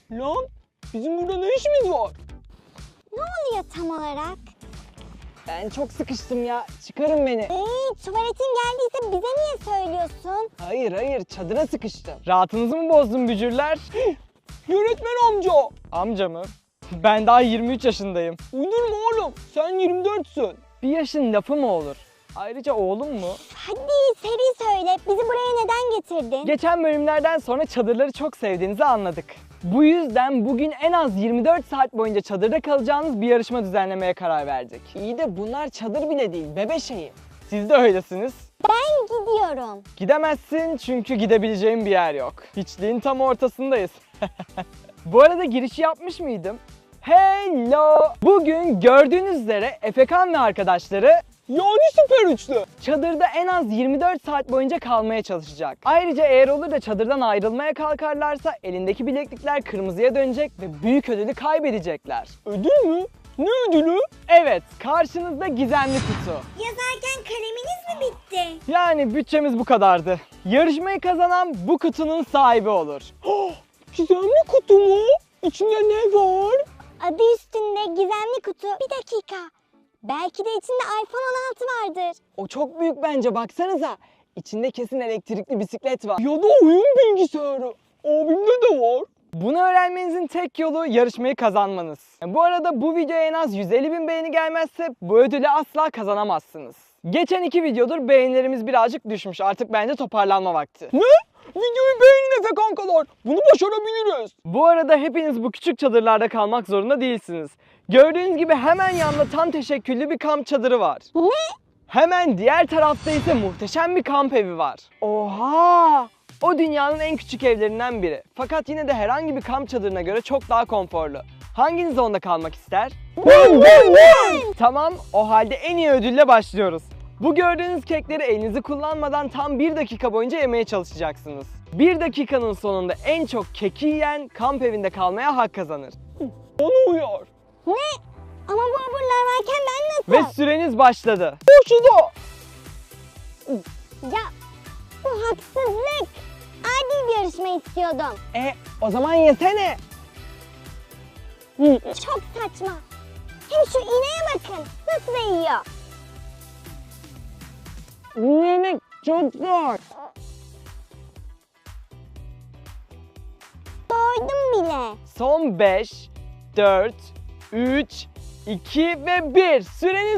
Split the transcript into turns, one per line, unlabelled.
Lan bizim burada ne işimiz var?
Ne oluyor tam olarak?
Ben çok sıkıştım ya. Çıkarın beni.
Tuvaletin geldiyse bize niye söylüyorsun?
Hayır çadıra sıkıştım. Rahatınızı mı bozdun bücürler? Yönetmen amca. Amca mı? Ben daha 23 yaşındayım. Uydurma oğlum. Sen 24'sün. Bir yaşın lafı mı olur? Ayrıca oğlum mu?
Hadi seri söyle. Bizi buraya neden getirdin?
Geçen bölümlerden sonra çadırları çok sevdiğinizi anladık. Bu yüzden bugün en az 24 saat boyunca çadırda kalacağınız bir yarışma düzenlemeye karar verdik. İyi de bunlar çadır bile değil, bebe şeyi. Siz de öylesiniz.
Ben gidiyorum.
Gidemezsin çünkü gidebileceğin bir yer yok. Hiçliğin tam ortasındayız. Bu arada girişi yapmış mıydım? Hello! Bugün gördüğünüz üzere Efekan ve arkadaşları yani süper üçlü çadırda en az 24 saat boyunca kalmaya çalışacak. Ayrıca eğer olur da çadırdan ayrılmaya kalkarlarsa elindeki bileklikler kırmızıya dönecek ve büyük ödülü kaybedecekler. Ödül mü? Ne ödülü? Evet, karşınızda gizemli kutu.
Yazarken kaleminiz mi bitti?
Yani bütçemiz bu kadardı. Yarışmayı kazanan bu kutunun sahibi olur. Gizemli kutu mu? İçinde ne var?
Adı üstünde gizemli kutu. Bir dakika. Belki de içinde iPhone 16 vardır.
O çok büyük bence, baksanıza. İçinde kesin elektrikli bisiklet var. Ya da oyun bilgisayarı. Abimde de var. Bunu öğrenmenizin tek yolu yarışmayı kazanmanız. Bu arada bu videoya en az 150.000 beğeni gelmezse bu ödülü asla kazanamazsınız. Geçen 2 videodur beğenilerimiz birazcık düşmüş. Artık bence toparlanma vakti. Ne? Videoyu beğenin Efe kankalar. Bunu başarabiliriz. Bu arada hepiniz bu küçük çadırlarda kalmak zorunda değilsiniz. Gördüğünüz gibi hemen yanında tam teşekküllü bir kamp çadırı var.
Ne?
Hemen diğer tarafta ise muhteşem bir kamp evi var. Oha! O dünyanın en küçük evlerinden biri. Fakat yine de herhangi bir kamp çadırına göre çok daha konforlu. Hanginiz onda kalmak ister? Ben! Tamam, o halde en iyi ödülle başlıyoruz. Bu gördüğünüz kekleri elinizi kullanmadan tam 1 dakika boyunca yemeye çalışacaksınız. 1 dakikanın sonunda en çok keki yiyen kamp evinde kalmaya hak kazanır. Bana uyar.
Ne? Ama bu hamurlar varken ben
Ve
nasıl?
süreniz başladı. Başladı.
Ya bu haksızlık. Adil bir yarışma istiyordum.
O zaman yesene.
Çok saçma. Hem şu ineğe bakın. Nasıl da yiyor.
Yemek çok zor.
Doydum bile.
Son 5, 4, 3, 2 ve 1. Süreniz